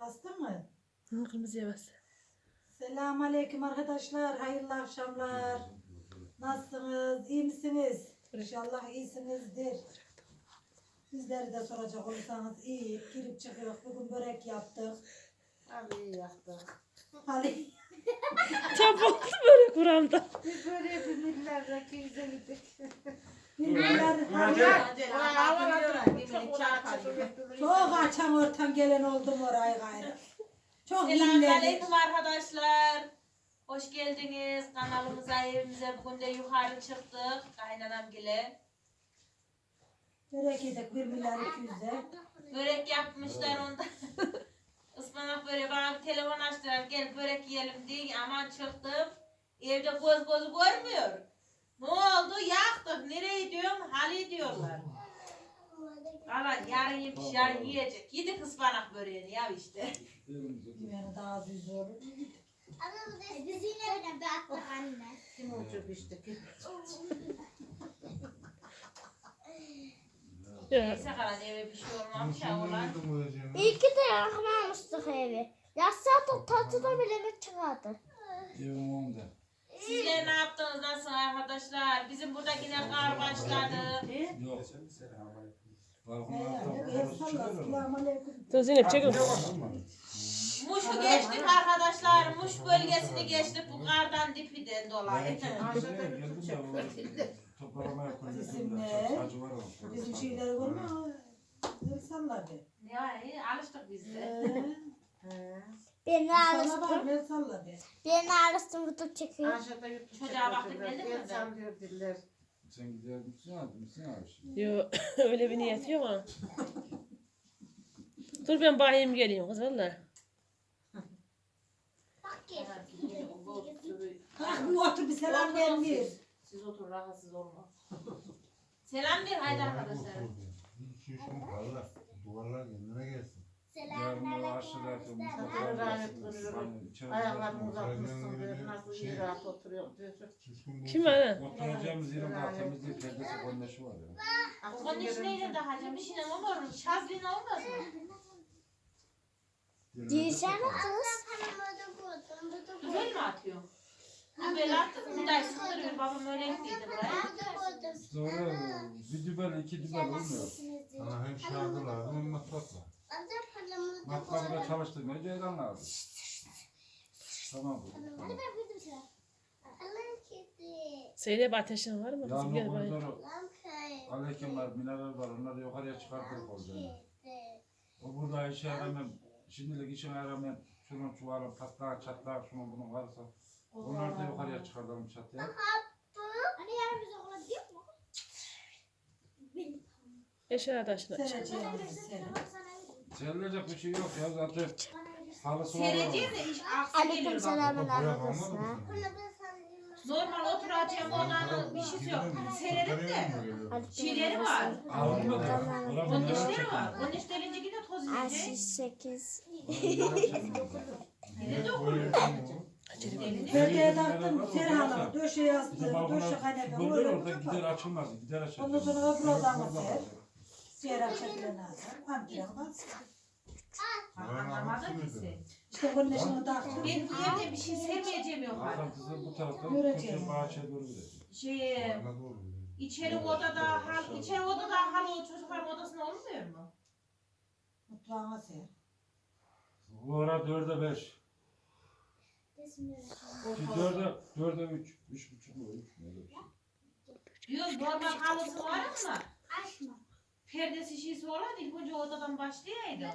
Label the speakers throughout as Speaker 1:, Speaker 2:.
Speaker 1: Bastın mı?
Speaker 2: Hı, kırmızıya bas.
Speaker 1: Selamun aleyküm arkadaşlar. Hayırlı akşamlar. Nasılsınız? İyi misiniz? İnşallah iyisinizdir. Bizleri de soracak olursanız iyi. Girip çıkıyor. Bugün börek yaptık.
Speaker 3: Abi yaptık.
Speaker 1: Hadi.
Speaker 2: Çabuk böyle kuramda.
Speaker 3: Biz böyle bir millerdeki yüze gittik.
Speaker 1: Bilmiyorlar. Çok açam ortam gelen oldum oraya gayrı. Çok inledik.
Speaker 4: Selamünaleyküm arkadaşlar. Hoş geldiniz kanalımıza, evimize. Bugün de yukarı çıktık. Kaynanam gile.
Speaker 1: Börek yedik 1 milyar 200'e.
Speaker 4: Börek yapmışlar onda. Ispanak böreği, bana bir telefon açtılar. Gel börek yiyelim diye. Aman çıktım. Evde göz gözü görmüyor. Ne oldu? Yaktık. Nereye gidiyorum? Hali diyorlar. Valla yarın yemiş, yarın yiyecek. Yedik ıspanak böreğini ya işte.
Speaker 1: Yani daha az yüzü olur.
Speaker 5: Biz yine bir attık anne.
Speaker 3: Kim uçup içtik.
Speaker 2: Ya.
Speaker 4: Neyse kalan eve bir şey olmamış ya olan.
Speaker 5: İyi ki de yakmamıştık evi. Yatsa da tatlıda bile mi çıkardı?
Speaker 4: Sizler ne yaptınız? Nasıl arkadaşlar? Bizim burada yine kar başladı.
Speaker 6: Yok.
Speaker 1: Selamun aleyküm.
Speaker 2: Dur Zeynep çekil.
Speaker 4: Muş'u geçtik arkadaşlar. Muş bölgesini geçtik bu kardan dipiden dolayı.
Speaker 1: Bizim şeyleri görme. Salla be.
Speaker 4: Yani alıştık biz de.
Speaker 5: Beni
Speaker 1: Salla bak,
Speaker 5: arasın.
Speaker 1: salla be.
Speaker 5: Beni arasın YouTube çekiyor.
Speaker 3: Aşağıda yurt
Speaker 4: Çocuğa baktık, geldin mi?
Speaker 3: Sallıyor diller.
Speaker 6: Sen gider misin abi?
Speaker 2: Yok öyle bir niyet yok ama. Dur ben bahiyim geleyim kız valla.
Speaker 5: Bak gel.
Speaker 1: Kalk bir otur bir selam vermiyor.
Speaker 4: Siz oturun rahatsız olma. Selam ver haydi arkadaşlar.
Speaker 7: Duvarlar kendine gelsin.
Speaker 5: Selamünaleyküm.
Speaker 3: Allah rahmet buyurun. Ayaklarını uzatmışsın diyor. Nasıl iyi rahat oturuyor diyor.
Speaker 2: Kim var lan?
Speaker 6: Oturacağımız yerin bahçemiz değil, perdesi kondaşı var ya.
Speaker 4: Onun için neyle daha hacım? Bir şeyle olur. Şazlina olmaz mı?
Speaker 5: Değişen kız.
Speaker 4: Güzel mi atıyor? Güzel attık. Bir daha sıkılıyor. Babam öyle gittiydi buraya.
Speaker 6: Sonra bir dübel, iki dübel olmuyor.
Speaker 7: Sana hem şarkı lazım hem matkap var.
Speaker 6: Matkabı çalıştırmaya ceylan lazım. Tamam bu.
Speaker 2: Zeynep ateşin var mı? Kızım
Speaker 6: Yağmur
Speaker 2: gel bahiyim.
Speaker 6: koridoru, alekim var, mineral var, onları yukarıya çıkartırık olacağını. O burada işe yaramam, şimdilik işe yaramam. Şunun çuvalın patlağı, çatlağı, şunun bunun varsa. Onları da yukarıya çıkartalım çatıya.
Speaker 5: Hani yarın biz okula gidiyor mu?
Speaker 2: Eşer taşına.
Speaker 1: Sereceğim seni.
Speaker 6: Serilecek bir şey yok ya zaten. Halısı var.
Speaker 4: Seyredeceğim de iş aksi
Speaker 5: Aleyküm
Speaker 4: geliyor bak.
Speaker 5: selamın
Speaker 7: Buraya kalmadı
Speaker 5: arkadaşlar.
Speaker 7: mı?
Speaker 4: Normal oturacağım odanın bir şeysi yok. Seyredip de şeyleri var.
Speaker 6: Alınmadı.
Speaker 4: Onun işleri var. Onun işlerince yine toz yiyecek.
Speaker 5: 68.
Speaker 4: Yine de okuyor.
Speaker 1: Perdeye taktım Serhan'a. Döşe astım. Döşe kaynakla.
Speaker 6: Böyle
Speaker 1: Öyle
Speaker 6: orada gider
Speaker 1: tutar.
Speaker 6: açılmaz. Gider açılmaz.
Speaker 1: Ondan sonra öbür odamı ser. Serhan çekilen azar. Amcam bas.
Speaker 4: Anlamadım ki sen.
Speaker 1: İşte bunun işini taktım.
Speaker 4: Ben bu evde bir şey sevmeyeceğim yok artık.
Speaker 6: Arkası bu taraftan
Speaker 1: Göreceğim.
Speaker 6: koşuyor bahçeye doğru gidiyor.
Speaker 4: Şey, içeri odada hal o çocukların odasında olmuyor mu?
Speaker 1: Mutfağına ser.
Speaker 6: Bu ara 4'e 5. Ki 4'e 3. 3,5 mu? 3 mü? Öyle bir şey.
Speaker 4: Diyorum normal halısı var ama
Speaker 5: Açma.
Speaker 4: perdesi şişi olan ilk önce odadan başlayaydı.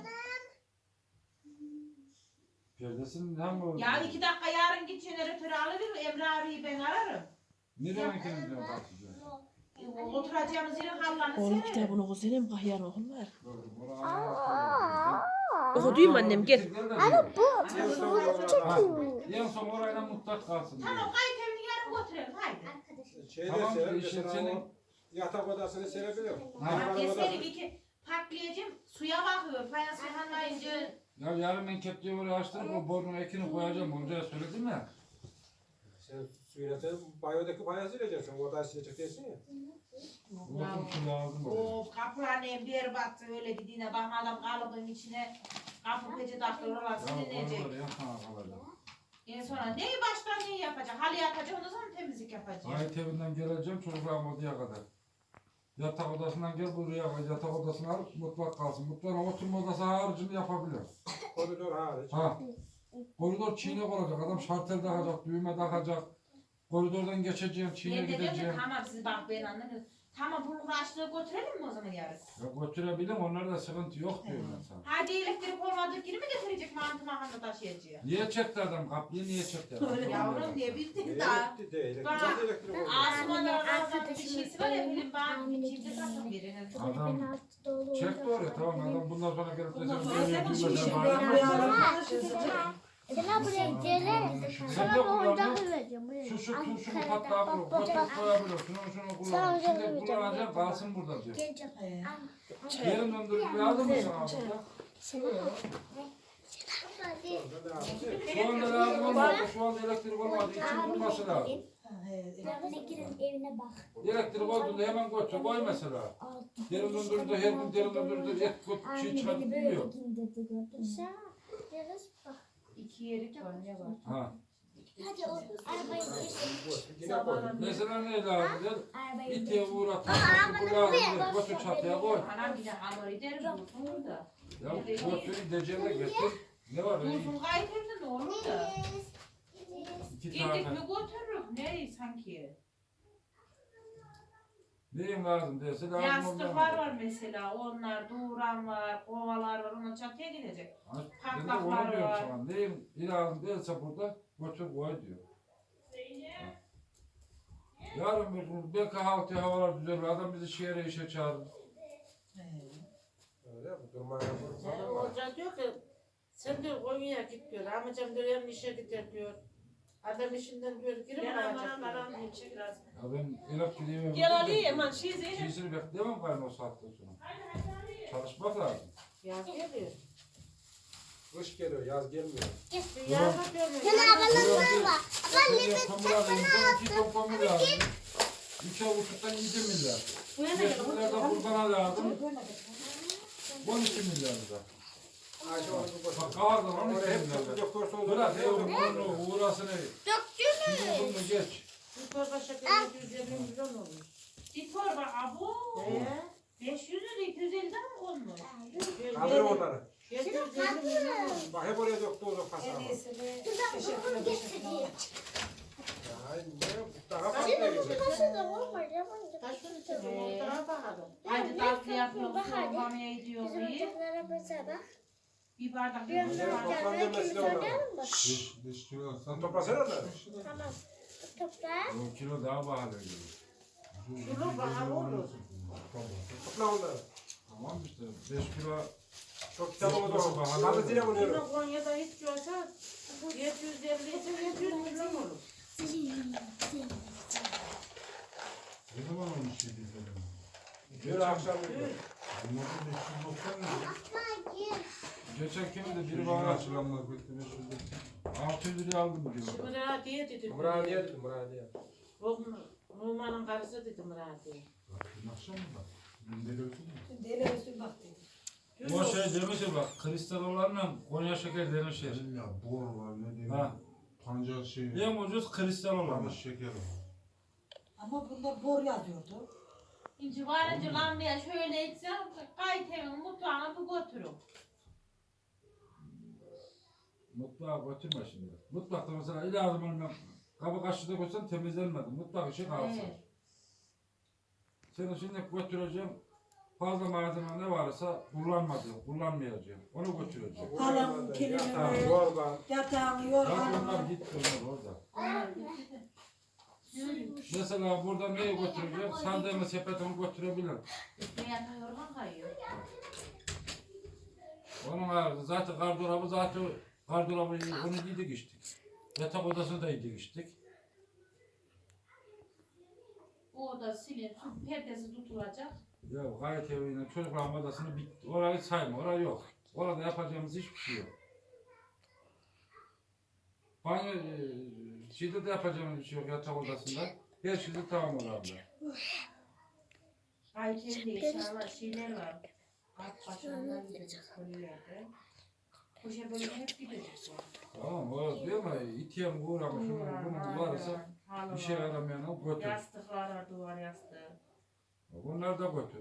Speaker 6: Perdesinin hem o...
Speaker 4: Ya 2 dakika yarın git jeneratörü alırım Emre abiyi ben ararım.
Speaker 6: Nereye gittiğini diyorum bakacağım.
Speaker 4: Oturacağımız yerin hallarını
Speaker 2: Oğlum
Speaker 4: sererim.
Speaker 2: kitabını kuzenim kahyan oğullar.
Speaker 6: Aa.
Speaker 2: Okuduyum annem gel.
Speaker 5: Bu telefonu çekiyor.
Speaker 6: En son orayla mutlak kalsın. diyor.
Speaker 4: Tamam kayıt evini yarın götürelim haydi.
Speaker 8: Şeyde
Speaker 6: Tamam,
Speaker 8: sever,
Speaker 6: işte
Speaker 8: mesela
Speaker 6: senin-
Speaker 8: o yatak odasını serebiliyor.
Speaker 6: Ha.
Speaker 4: Deseri bir ki patlayacağım suya bakıyor fayans yanmayınca.
Speaker 6: Ya yarın ben kepçeyi oraya açtırıp o borunun ekini koyacağım. Hocaya söyledim ya.
Speaker 8: Sen suyla sen banyodaki bayağı sileceksin. O odayı silecek değilsin ya.
Speaker 6: Bakın şu lazım oraya.
Speaker 4: Of kapıların en berbat öyle dediğine bakma adam kalıbın içine kapı peçete ikinci dakika oralar
Speaker 6: Ya
Speaker 4: silinecek.
Speaker 6: oraları yapmaya kalacak.
Speaker 4: En sonra neyi baştan neyi yapacak? Halı yapacak ondan sonra temizlik yapacak.
Speaker 6: Ait evinden geleceğim çocuklarım odaya kadar. Yatak odasından gel buraya yatak odasına al mutfak kalsın. Mutfağın oturma odası haricini yapabilir.
Speaker 8: Koridor hariç.
Speaker 6: Ha. Koridor çiğne olacak. Adam şartel takacak, düğme takacak. Koridordan geçeceğim, çiğne
Speaker 4: Ben de diyorum ki
Speaker 6: gideceğim.
Speaker 4: tamam siz bak ben anlamıyorum. Tamam bulgur açlığı götürelim mi o zaman yarın?
Speaker 6: Ya götürebilirim, onlarda sıkıntı yok diyorum ben sana.
Speaker 4: Hadi elektrik olmadığı gibi mi getirecek mantı mahanna taşıyacak?
Speaker 6: Niye çekti adam kapıyı, niye çekti adam?
Speaker 4: Yavrum niye bildin daha?
Speaker 8: Elektrik değil.
Speaker 4: Bak,
Speaker 8: Elektrik oldu.
Speaker 4: Asumanlardan bir şeysi var ya benim bana bir kimse takım birini.
Speaker 6: Adam çekti oraya, tamam adam bundan sonra gelip de
Speaker 1: Bundan
Speaker 6: sen
Speaker 1: sonra
Speaker 6: böyle
Speaker 1: senin
Speaker 6: düğmeden
Speaker 1: işin
Speaker 6: bağırma.
Speaker 1: ben buraya alışacağım.
Speaker 5: Sen buraya gelir.
Speaker 6: Sen
Speaker 5: Sana
Speaker 6: de
Speaker 5: bir
Speaker 6: kullanma.
Speaker 5: oyuncak vereceğim. Buraya.
Speaker 6: Şu tuşunu
Speaker 5: Ankara'da
Speaker 6: patlağı
Speaker 5: bak,
Speaker 6: bulup,
Speaker 5: bak,
Speaker 6: koçak
Speaker 5: bak.
Speaker 6: koyabilir, şunu kullan.
Speaker 5: Sen
Speaker 6: Şimdi
Speaker 5: hocam
Speaker 6: kullanacağım, kalsın burada diyor.
Speaker 5: Geleceğim.
Speaker 6: Yerin döndürüp lazım mı sana burada? Şu anda lazım olmadı, şu anda elektrik olmadığı için bulması lazım.
Speaker 5: Evine bak.
Speaker 6: Elektrik olduğunda hemen götür, koy mesela. Yerin döndürdü, her gün yerin döndürdü, et göt, çiğ çıkartıp bilmiyor.
Speaker 5: Sen yarız bak.
Speaker 4: İki yerik var ne var?
Speaker 6: Ha.
Speaker 5: Hadi o arabayı
Speaker 8: Yine koy.
Speaker 6: Mesela ne lazım der?
Speaker 5: arabayı
Speaker 6: İtiye uğrat, bu lazım der, götür çatıya koy.
Speaker 4: Anam bir de hamur eder dursun orada.
Speaker 6: Ya götür, gideceğine getir. Ne var öyle?
Speaker 4: Dursun gayet evde ne olur da.
Speaker 6: İki
Speaker 4: Gittik
Speaker 6: tane.
Speaker 4: mi götürürük ne sanki.
Speaker 6: Neyim lazım derse lazım
Speaker 4: Yastıklar var mesela onlar, doğuran var, kovalar var ona çatıya gidecek.
Speaker 6: Ben de onu diyorum sana. Neyim lazım derse burada götür koy diyor. Yarın bir gün belki havalar düzelir. Adam bizi şehre işe çağırır.
Speaker 8: Öyle mi? Durmaya
Speaker 3: Yani Hoca diyor ki sen diyor Konya'ya git diyor. Amcam diyor yarın işe gider diyor. Adam işinden diyor girip alacak diyor.
Speaker 6: Ya ben elak gideyim.
Speaker 2: Gel Ali hemen şey Zeynep.
Speaker 6: Şeysini bekleyemem gayrı o saatten sonra. Çalışmak lazım.
Speaker 3: Yaz geliyor.
Speaker 8: Kış geliyor, yaz gelmiyor.
Speaker 3: Yaz diyor.
Speaker 6: İki ton pamuk lazım. 3 avuçluktan 7 milyar. 5 milyar da kurbana lazım. 12 milyar da.
Speaker 8: Ayşe onu boş.
Speaker 6: Bak kağıdın 12
Speaker 8: Oraya hep
Speaker 6: milyar da.
Speaker 8: çok doktor oldu.
Speaker 6: Bırak ya bunu uğrasını. Şimdi bunu geç.
Speaker 3: Bir torba şeker 150 milyon olmuş.
Speaker 4: Bir torba abu. 500 lira 250'den mi konmuş?
Speaker 8: Kaldır onları.
Speaker 3: 750 milyon olmuş.
Speaker 8: Bak hep oraya doktor oldu kasaba.
Speaker 1: En iyisini teşekkür.
Speaker 8: Ya ne? Daha fazla gelecek.
Speaker 3: Taşın içinde daha bakalım.
Speaker 4: Hadi tatlı yapıyoruz, soğumamaya gidiyoruz. Bir bardak
Speaker 8: Toplam demesi lazım.
Speaker 7: Dış kilo
Speaker 8: Sen toplasana onları.
Speaker 5: Tamam. Topla.
Speaker 6: O kilo daha pahalı geliyor.
Speaker 3: Şunu bahar olur.
Speaker 8: Topla onları.
Speaker 6: Tamam işte 5 kilo.
Speaker 8: Çok kitap oldu. Kaldı zile buluyorum.
Speaker 3: Şunu Konya'da hiç görse 750 ise 700 milyon olur.
Speaker 7: Ne zaman olmuş şey değil.
Speaker 8: Dün akşam yürüyor.
Speaker 7: Bunların 590 lira.
Speaker 6: Geçen kimdi biri bana
Speaker 7: Açılanlar bitti 500 lira.
Speaker 6: 600 liraya aldım diyor.
Speaker 3: Muradiye dedi.
Speaker 8: Muradiye dedim Muradiye.
Speaker 3: O Numan'ın karısı dedi Muradiye.
Speaker 7: Dün akşam mı bak? Dün deli olsun mu?
Speaker 1: Deli Resul bak dedi.
Speaker 6: O şey demişti bak kristal olanla Konya şeker demişler.
Speaker 7: Ya bor var ne diyeyim.
Speaker 6: Ha.
Speaker 7: Pancar şey.
Speaker 6: En ucuz kristal olan.
Speaker 7: Pancar şeker var.
Speaker 1: Ama bunda bor yazıyordu.
Speaker 4: İnci varınca lambaya şöyle etsem gayet evin mutfağına bir götürün.
Speaker 6: Mutfağa götürme şimdi. Mutfakta mesela ilazım olmayan kabı kaşığı da koysan temizlenmedi. Mutfak işi kalsın.
Speaker 4: Evet.
Speaker 6: Seni şimdi götüreceğim. Fazla malzeme ne varsa kullanmayacağım. Onu götüreceğim.
Speaker 1: Halam, kelime,
Speaker 8: Yatağı, yorgan.
Speaker 1: yatağını,
Speaker 6: Zaten
Speaker 1: yorganını.
Speaker 6: onlar gitti onlar orada. Mesela burada neyi götüreceğim? Sandalye sepetini götürebilirim.
Speaker 4: Ne yatağı yorgan kayıyor.
Speaker 6: Onun harici zaten gardırobı onu giydik içtik. Yatak odasını da giydik içtik.
Speaker 4: O oda silin, perdesi tutulacak.
Speaker 6: Ya gayet eviyle çocukların odasını bitti. Orayı sayma, orayı yok. Orada yapacağımız hiçbir şey yok. Banyo, şeyde de yapacağımız bir şey yok yatak odasında. Her şey de tamam orada.
Speaker 4: Ayçiçeği eşyalar, şeyler var. Alt başlarından gidecek kolilerde. Koşa böyle hep gidecek.
Speaker 6: Tamam o diyor ama itiyen uğramış bunun varsa bir şey aramayan götür.
Speaker 4: Yastıklar var, duvar yastığı.
Speaker 6: Bunlar da götür.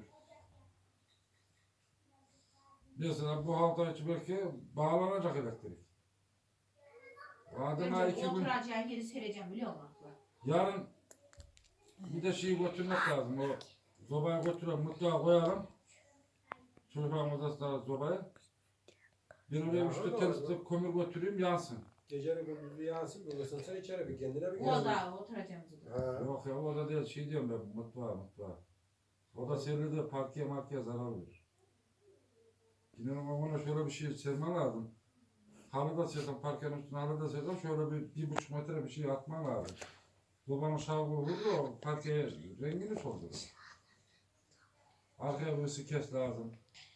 Speaker 6: Mesela bu hafta içi belki bağlanacak elektrik. Adına
Speaker 4: Önce
Speaker 6: 2 gün
Speaker 4: oturacağın yeri sereceğim biliyor musun?
Speaker 6: yarın bir de şeyi götürmek lazım. O sobayı götürelim, mutfağa koyalım. Çocukların odasına sobayı. Ben oraya 3-4 tane kömür götüreyim yansın.
Speaker 8: Gecenin gündüzü yansın, bir ısınsın içeri bir kendine bir
Speaker 4: O
Speaker 8: gelsin.
Speaker 4: da oturacağımız oda.
Speaker 8: Ha.
Speaker 6: Yok ya o da değil şey diyorum ben mutfağa. O da serili de parkeye markeye zarar verir. Yine ama buna şöyle bir şey serme lazım. Halı da serdim parkenin üstüne halı da serdim şöyle bir 1,5 metre bir şey atman lazım. Babanın şavru vurdu o parkeye rengini soldurur. Arkaya birisi kes lazım.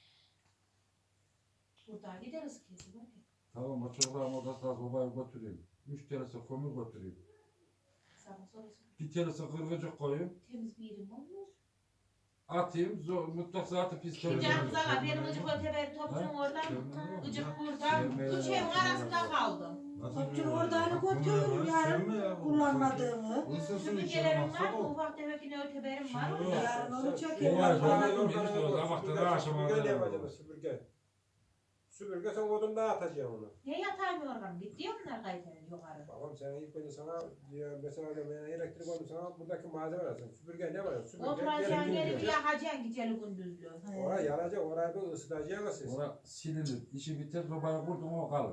Speaker 4: Burada gideriz kesin.
Speaker 6: Tamam o çocukların odasına sobayı götüreyim. 3 tanesi kömür götüreyim.
Speaker 4: Sana sorarsan.
Speaker 6: Bir tanesi kırgıcık koyayım.
Speaker 4: Temiz bir yerim olmuyor.
Speaker 6: Atayım mutfak zaten pis
Speaker 4: Şimdi
Speaker 6: temizlenir.
Speaker 4: canımıza benim gıcık öteber topçum oradan. Gıcık buradan. Üç evin arasında kaldım.
Speaker 1: Topçun oradan götür yarın kullanmadığını.
Speaker 4: Süpürgelerim var, ufak tefek yine öteberim var.
Speaker 6: Şimdi
Speaker 1: Yarın onu
Speaker 6: Olay
Speaker 1: çekelim.
Speaker 8: Süpürge sen odunda atacaksın onu.
Speaker 4: Ne yatağım yorganım? Gitti ya bunlar kayıtları yukarı.
Speaker 8: Babam sen ilk önce sana diyor, mesela diyorum, yani elektrik olmuş sana buradaki malzeme lazım. Süpürge ne var? Süpürge
Speaker 4: Oturacağın yeri bir
Speaker 8: diyor.
Speaker 4: yakacaksın geceli gündüzlü.
Speaker 8: Oraya yanacak, oraya bir ısıtacaksın siz.
Speaker 6: Ora silinir. İşi biter sobayı kurdum o kalır.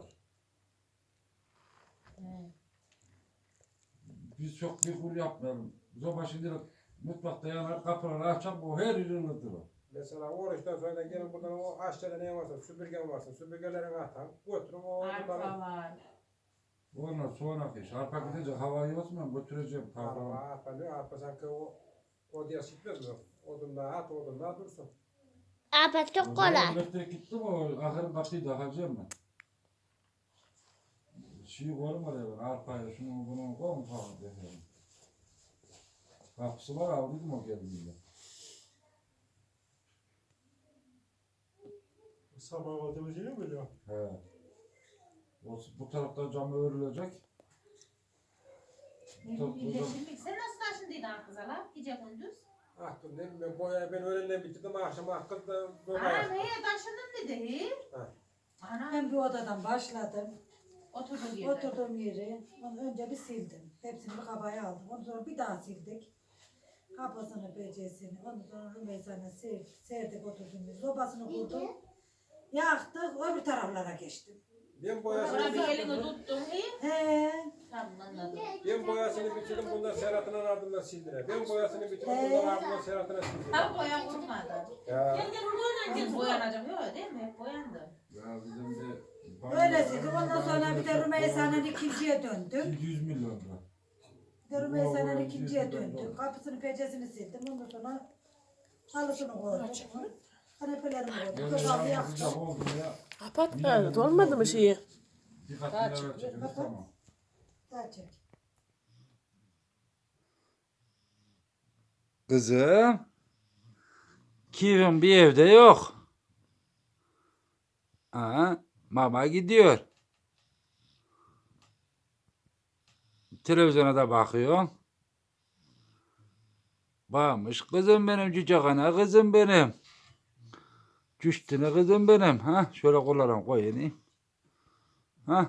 Speaker 6: Biz çok bir kur yapmayalım. Soba şimdi mutfakta yanar kapıları açar o her yeri ılıtır o.
Speaker 8: Mesela oruçtan sonra gelin buradan o aşağıda ne varsa, süpürgen varsa, süpürgelerin atan, götürün o
Speaker 4: Arpa
Speaker 8: odunları.
Speaker 4: var.
Speaker 6: Onlar sonraki iş. Arpa gidince havayı osman götüreceğim.
Speaker 8: Arpa sanki o diye sıkmaz mı? Odunlar at, odunlar dursun.
Speaker 5: Abi çok kolay.
Speaker 6: Elektrik gitti mi o ahırın kapıyı da alacağım ben. Şeyi koyarım oraya ben. Arpayı şunu bunu koyun falan diye. Kapısı var aldıydım o geldiğinde.
Speaker 8: Sabah odamı şey mi biliyor?
Speaker 6: He. Bu tarafta cam örülecek.
Speaker 4: Sen nasıl taşındıydın kıza lan? Gece gündüz.
Speaker 8: Ah dur ne bileyim boya ben öğlenden bitirdim akşam akıl da böyle.
Speaker 4: Ana neye taşındın dedi.
Speaker 8: Ha.
Speaker 4: Ana
Speaker 1: Ben bir odadan başladım.
Speaker 4: oturdum yerde.
Speaker 1: Oturduğum yeri önce bir sildim. Hepsini bir kabaya aldım. Ondan sonra bir daha sildik. Kapısını, becesini, ondan sonra Rümeysa'nı serdik oturduğumuz. Sobasını kurdum. Yaktık, öbür taraflara geçtim.
Speaker 8: Ben
Speaker 4: Sonra
Speaker 8: boyasını
Speaker 4: bir elini tuttum.
Speaker 1: He.
Speaker 4: Tamam anladım.
Speaker 8: ben boyasını bitirdim bundan Serhat'ın ardından sildiler. Ben boyasını bitirdim bundan ardından Serhat'ına sildiler.
Speaker 4: Tam boya kurmadı.
Speaker 8: Ya.
Speaker 4: Biz boyanacak yok değil mi? Hep boyandı.
Speaker 6: Ya bizim de...
Speaker 1: Öyle sildik. Ondan sonra bir de Rümeysa'nın ikinciye döndük.
Speaker 6: 700 milyon lira.
Speaker 1: Bir de Rümeysa'nın ikinciye döndük. Kapısını, pecesini sildim. Ondan sonra halısını koydum. Kanepelerimi koydum.
Speaker 6: Böyle
Speaker 1: Sobamı
Speaker 6: yağmur
Speaker 1: yaktım.
Speaker 6: sıcak oldu ya.
Speaker 2: Kapat olmadı mı şeyi?
Speaker 6: Birkaç lira çekeriz
Speaker 1: Kapat.
Speaker 6: tamam.
Speaker 1: Daha çek.
Speaker 6: Kızım. Kivim bir evde yok. Ha, mama gidiyor. Televizyona da bakıyor. Bakmış kızım benim cüce kana kızım benim. Cüştüne kızım benim. Ha, şöyle kollarım koyayım. Ha.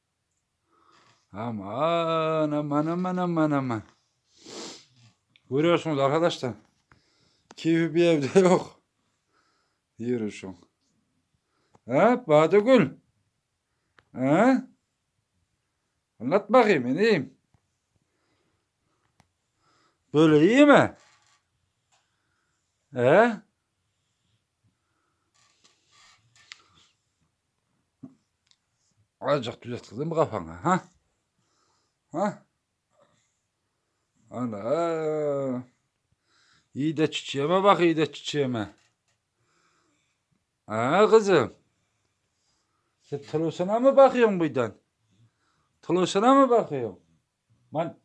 Speaker 6: Aman aman aman aman aman. Görüyorsunuz arkadaşlar. Kivi bir evde yok. Yürüyüşüm. Ha Badıgül. Ha? Anlat bakayım ineyim. Böyle iyi mi? He? Azıcık düzelt kızım kafana ha? Ha? Ana. İyi de çiçeğime bak iyi de çiçeğime. Ha kızım. Sen televizyona mı bakıyorsun buradan? Televizyona mı bakıyorsun? Man.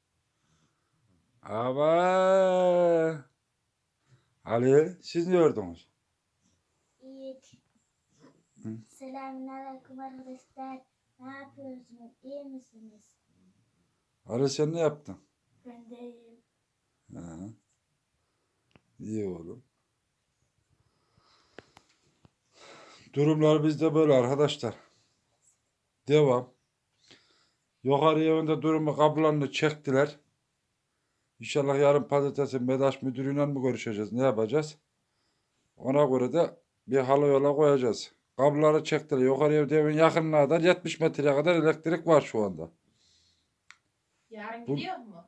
Speaker 6: Ama. Ali siz ne gördünüz?
Speaker 5: Selamünaleyküm arkadaşlar. Ne yapıyorsunuz? İyi misiniz?
Speaker 6: Ali sen ne yaptın?
Speaker 5: Ben de iyiyim.
Speaker 6: Ha. İyi oğlum. Durumlar bizde böyle arkadaşlar. Devam. Yukarı evinde durumu kablolarını çektiler. İnşallah yarın pazartesi MEDAŞ müdürüyle mi görüşeceğiz? Ne yapacağız? Ona göre de bir halı yola koyacağız. Kabloları çektiler. Yukarı evde evin yakınına kadar 70 metreye kadar elektrik var şu anda.
Speaker 4: Yarın
Speaker 6: Bu-
Speaker 4: gidiyor mu?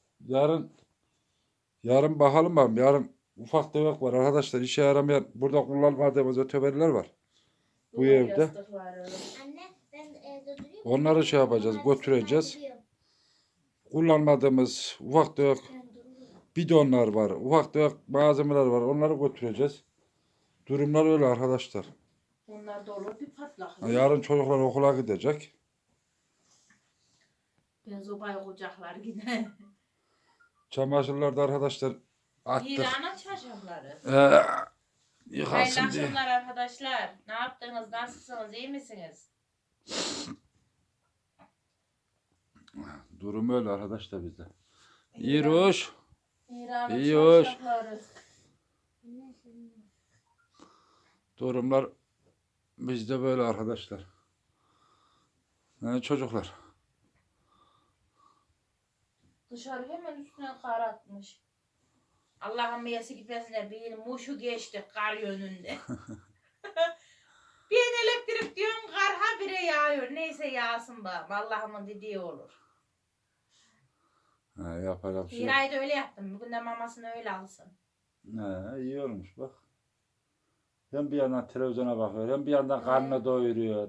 Speaker 6: Yarın bakalım bakalım. Yarın ufak tefek var arkadaşlar. İşe yaramayan burada kullanmadığımız öteberiler var. Bu evde.
Speaker 5: Anne ben evde duruyorum.
Speaker 6: Onları şey yapacağız, götüreceğiz. Kullanmadığımız ufak tefek bidonlar var. Ufak tefek malzemeler var. Onları götüreceğiz. Durumlar öyle arkadaşlar.
Speaker 4: Bunlar da olur bir patlak.
Speaker 6: Yarın çocuklar okula gidecek.
Speaker 4: Ben zobayı kucaklar yine.
Speaker 6: Çamaşırlar da arkadaşlar attık.
Speaker 4: İran'a çarşafları. Hayırlı
Speaker 6: Yıkansın diye.
Speaker 4: akşamlar arkadaşlar. Ne yaptınız? Nasılsınız? İyi misiniz?
Speaker 6: Durum öyle arkadaşlar bizde. İyi hoş.
Speaker 4: İran'a
Speaker 6: İyi hoş.
Speaker 4: çarşafları.
Speaker 6: Durumlar bizde böyle arkadaşlar. Çocuklar.
Speaker 4: Dışarı hemen üstüne kar atmış. Allah'ın meyesi gitmesine bir muşu geçti kar yönünde. Bir elektrik diyorum kar habire yağıyor. Neyse yağsın bakalım. Allah'ımın dediği olur.
Speaker 6: Yapacak bir şey yok.
Speaker 4: Hira'yı da öyle yaptım. Bugün de mamasını öyle alsın.
Speaker 6: İyi olmuş bak. Hem bir yandan televizyona bakıyor hem bir yandan karnını doyuruyor.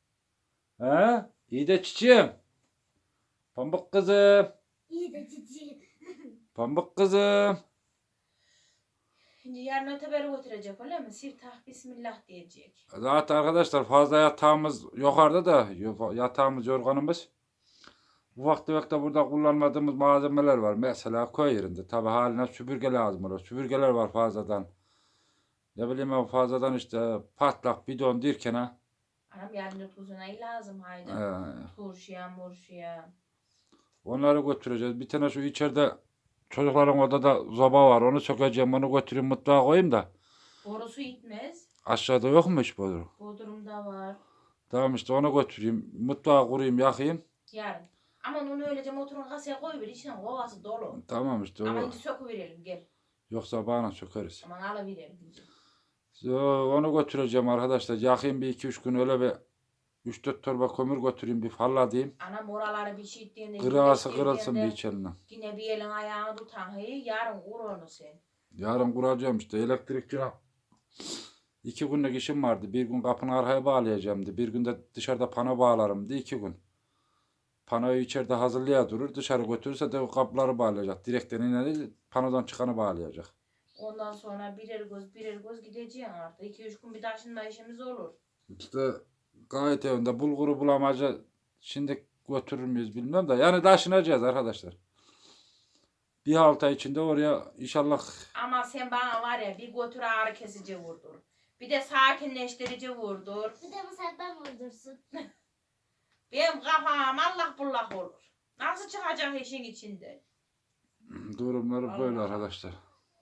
Speaker 6: İyi de çiçeğim. Pamuk kızım.
Speaker 5: İyi de cici.
Speaker 6: Pamuk kızım.
Speaker 4: Şimdi yarın öteberi götürecek öyle mi? Siftah bismillah diyecek.
Speaker 6: Zaten arkadaşlar fazla yatağımız yukarıda da yatağımız yorganımız. Ufak tefek de burada kullanmadığımız malzemeler var. Mesela köy yerinde tabi haline süpürge lazım olur. Süpürgeler var fazladan. Ne bileyim ben fazladan işte patlak bidon derken ha.
Speaker 4: Anam yarın ötbüzüne lazım haydi. Turşuya murşuya.
Speaker 6: Onları götüreceğiz. Bir tane şu içeride çocukların odada zoba var. Onu sökeceğim. Onu götüreyim mutfağa koyayım da.
Speaker 4: Borusu gitmez.
Speaker 6: Aşağıda yok mu hiç boru?
Speaker 4: Bodrumda var.
Speaker 6: Tamam işte onu götüreyim. Mutfağa kurayım yakayım.
Speaker 4: Yarın. Aman onu öylece motorun kasaya koyuver. İçine kovası dolu.
Speaker 6: Tamam işte
Speaker 4: Ama
Speaker 6: o.
Speaker 4: şimdi söküverelim gel.
Speaker 6: Yoksa bana sökeriz.
Speaker 4: Aman alıverelim.
Speaker 6: Onu götüreceğim arkadaşlar. Yakayım bir 2-3 gün öyle bir 3-4 torba kömür götüreyim bir falladayım.
Speaker 4: Anam oraları bir şey ettiğinde.
Speaker 6: Kırası kırılsın bir içerinden.
Speaker 4: Yine bir elin ayağını tutan. Yarın kur onu sen.
Speaker 6: Yarın kuracağım işte elektrikçi. 2 günlük işim vardı. Bir gün kapını arkaya bağlayacağımdı. Bir gün de dışarıda pano bağlarımdı. 2 gün. Panoyu içeride hazırlaya durur. Dışarı götürürse de o kapıları bağlayacak. Direkten ileri panodan çıkanı bağlayacak.
Speaker 4: Ondan sonra birer göz gideceğim artık. 2-3 gün bir taşınma işimiz olur.
Speaker 6: İşte gayet evinde bulguru bulamacı şimdi götürür müyüz bilmem de. Yani taşınacağız arkadaşlar. Bir hafta içinde oraya inşallah.
Speaker 4: Ama sen bana var ya bir götür ağrı kesici vurdur. Bir de sakinleştirici vurdur.
Speaker 5: Bir de bu senden vurdursun.
Speaker 4: Benim kafam allak bullak olur. Nasıl çıkacak işin içinde?
Speaker 6: Durumları böyle
Speaker 4: Allah.
Speaker 6: arkadaşlar.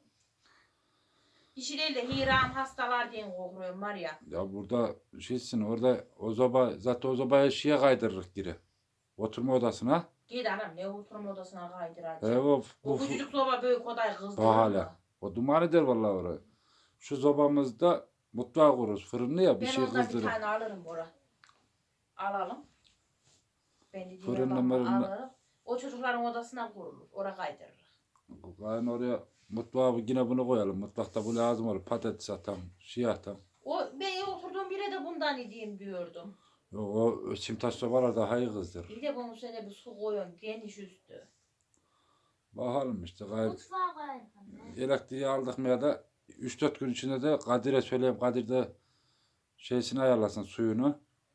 Speaker 4: İşi değil de hiram hastalar diye korkuyorum var ya.
Speaker 6: Ya burada şeysin orada o zoba zaten o zobaya şeye kaydırırız geri. Oturma odasına.
Speaker 4: Git anam ne oturma odasına kaydıracak.
Speaker 6: O
Speaker 4: O küçücük soba büyük odayı kızdırır.
Speaker 6: o hala. O duman eder vallahi orayı. Şu zobamızda mutfağı kururuz. Fırını ya bir
Speaker 4: Ben
Speaker 6: şey
Speaker 4: ondan bir
Speaker 6: kızdırır.
Speaker 4: tane alırım Bora. Alalım. Ben de
Speaker 6: Fırınla
Speaker 4: diyorum
Speaker 6: mırınla.
Speaker 4: alırım. O çocukların odasına kurulur. Oraya kaydırır.
Speaker 6: Yani oraya mutfağa yine bunu koyalım. Mutfakta bu lazım olur. Patates atalım. Şey atalım.
Speaker 4: Ben oturduğum bire de bundan edeyim diyordum.
Speaker 6: O simtaş sobalar daha iyi kızdırır.
Speaker 4: Bir de bunun üstüne bir su koyun geniş üstü.
Speaker 6: Bakalım işte gayet.
Speaker 5: Mutfağa koyalım.
Speaker 6: Elektriği aldık mı ya da 3-4 gün içinde de Kadir'e söyleyeyim. Kadir de şeysini ayarlasın suyunu.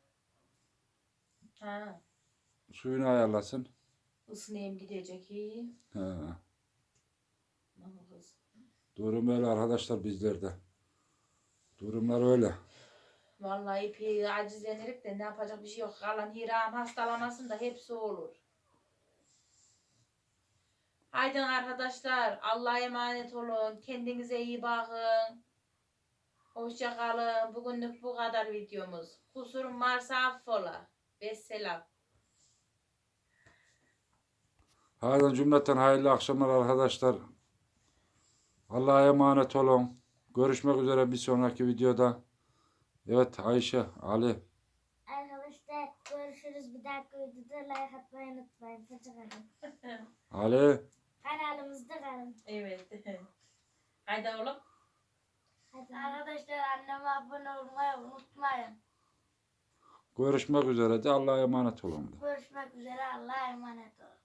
Speaker 4: Ha,
Speaker 6: Suyunu ayarlasın.
Speaker 4: ısınayım gidecek iyi.
Speaker 6: He.
Speaker 4: Aman kız.
Speaker 6: Durum öyle arkadaşlar bizlerde. Durumlar öyle.
Speaker 4: Vallahi ipi acizlenirik de ne yapacak bir şey yok. Kalan hiram hastalamasın da hepsi olur. Haydi arkadaşlar Allah'a emanet olun. Kendinize iyi bakın. Hoşça kalın. Bugünlük bu kadar videomuz. Kusurum varsa affola. Vesselam.
Speaker 6: Haydi cümleten hayırlı akşamlar arkadaşlar. Allah'a emanet olun. Görüşmek üzere bir sonraki videoda. Evet Ayşe, Ali.
Speaker 5: Arkadaşlar görüşürüz. Bir dahaki videoda like atmayı unutmayın. Hoşçakalın.
Speaker 6: Ali.
Speaker 5: Kanalımızda kalın.
Speaker 4: Evet. Haydi oğlum.
Speaker 5: Arkadaşlar anneme abone olmayı unutmayın.
Speaker 6: Görüşmek üzere de Allah'a emanet olun.
Speaker 5: Görüşmek üzere. Allah'a emanet olun.